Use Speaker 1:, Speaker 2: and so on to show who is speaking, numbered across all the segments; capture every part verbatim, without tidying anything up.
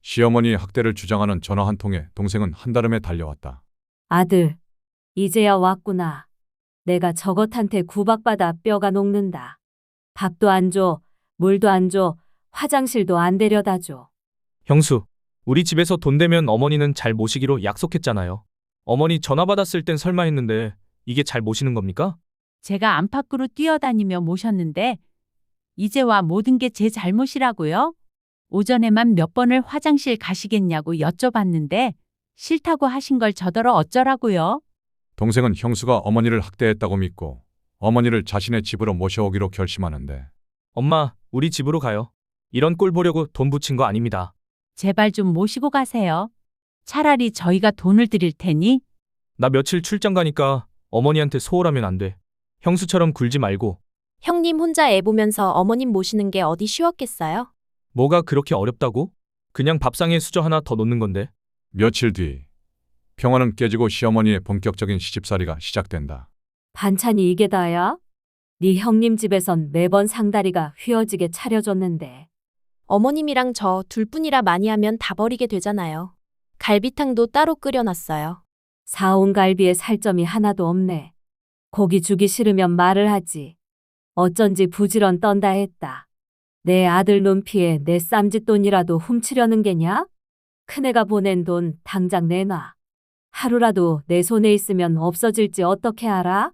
Speaker 1: 시어머니의 학대를 주장하는 전화 한 통에 동생은 한달음에 달려왔다.
Speaker 2: 아들, 이제야 왔구나. 내가 저것한테 구박받아 뼈가 녹는다. 밥도 안 줘, 물도 안 줘, 화장실도 안 데려다 줘.
Speaker 3: 형수, 우리 집에서 돈 되면 어머니는 잘 모시기로 약속했잖아요. 어머니 전화 받았을 땐 설마 했는데 이게 잘 모시는 겁니까?
Speaker 4: 제가 안팎으로 뛰어다니며 모셨는데 이제 와 모든 게 제 잘못이라고요? 오전에만 몇 번을 화장실 가시겠냐고 여쭤봤는데 싫다고 하신 걸 저더러 어쩌라고요?
Speaker 1: 동생은 형수가 어머니를 학대했다고 믿고 어머니를 자신의 집으로 모셔오기로 결심하는데
Speaker 3: 엄마, 우리 집으로 가요. 이런 꼴 보려고 돈 붙인 거 아닙니다.
Speaker 4: 제발 좀 모시고 가세요. 차라리 저희가 돈을 드릴 테니.
Speaker 3: 나 며칠 출장 가니까 어머니한테 소홀하면 안 돼. 형수처럼 굴지 말고.
Speaker 5: 형님 혼자 애 보면서 어머님 모시는 게 어디 쉬웠겠어요?
Speaker 3: 뭐가 그렇게 어렵다고? 그냥 밥상에 수저 하나 더 놓는 건데.
Speaker 1: 며칠 뒤 평화는 깨지고 시어머니의 본격적인 시집살이가 시작된다.
Speaker 2: 반찬이 이게 다야? 네 형님 집에선 매번 상다리가 휘어지게 차려줬는데.
Speaker 5: 어머님이랑 저 둘뿐이라 많이 하면 다 버리게 되잖아요. 갈비탕도 따로 끓여놨어요.
Speaker 2: 사온 갈비에 살점이 하나도 없네. 고기 주기 싫으면 말을 하지. 어쩐지 부지런 떤다 했다. 내 아들 눈피에 내 쌈짓돈이라도 훔치려는 게냐? 큰애가 보낸 돈 당장 내놔. 하루라도 내 손에 있으면 없어질지 어떻게 알아?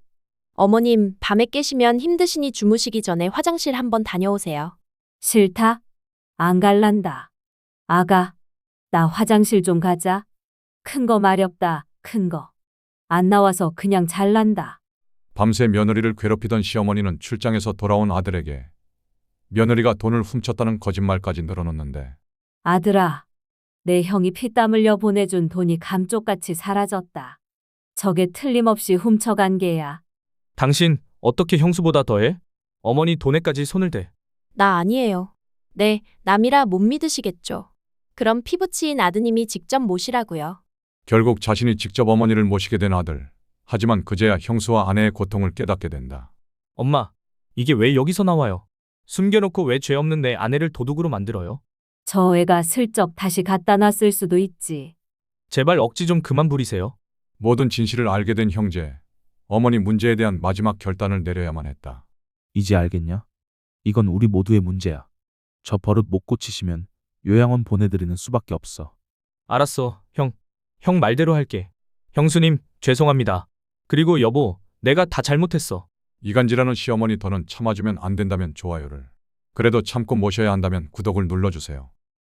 Speaker 5: 어머님, 밤에 깨시면 힘드시니 주무시기 전에 화장실 한번 다녀오세요.
Speaker 2: 싫다? 안 갈란다. 아가, 나 화장실 좀 가자. 큰 거 마렵다, 큰 거. 안 나와서 그냥 잘난다.
Speaker 1: 밤새 며느리를 괴롭히던 시어머니는 출장에서 돌아온 아들에게 며느리가 돈을 훔쳤다는 거짓말까지 늘어놓는데
Speaker 2: 아들아, 내 형이 피땀 흘려 보내준 돈이 감쪽같이 사라졌다. 저게 틀림없이 훔쳐간 게야.
Speaker 3: 당신 어떻게 형수보다 더해? 어머니 돈에까지 손을 대.
Speaker 5: 나 아니에요. 네, 남이라 못 믿으시겠죠. 그럼 피부치인 아드님이 직접 모시라고요.
Speaker 1: 결국 자신이 직접 어머니를 모시게 된 아들. 하지만 그제야 형수와 아내의 고통을 깨닫게 된다.
Speaker 3: 엄마, 이게 왜 여기서 나와요? 숨겨놓고 왜 죄 없는 내 아내를 도둑으로 만들어요?
Speaker 2: 저 애가 슬쩍 다시 갖다 놨을 수도 있지.
Speaker 3: 제발 억지 좀 그만 부리세요.
Speaker 1: 모든 진실을 알게 된 형제. 어머니 문제에 대한 마지막 결단을 내려야만 했다.
Speaker 6: 이제 알겠냐? 이건 우리 모두의 문제야. 저 버릇 못 고치시면 요양원 보내드리는 수밖에 없어.
Speaker 3: 알았어, 형. 형 말대로 할게. 형수님, 죄송합니다. 그리고 여보, 내가 다 잘못했어.
Speaker 1: 이간질하는 시어머니 더는 참아주면 안 된다면 좋아요를. 그래도 참고 모셔야 한다면 구독을 눌러주세요.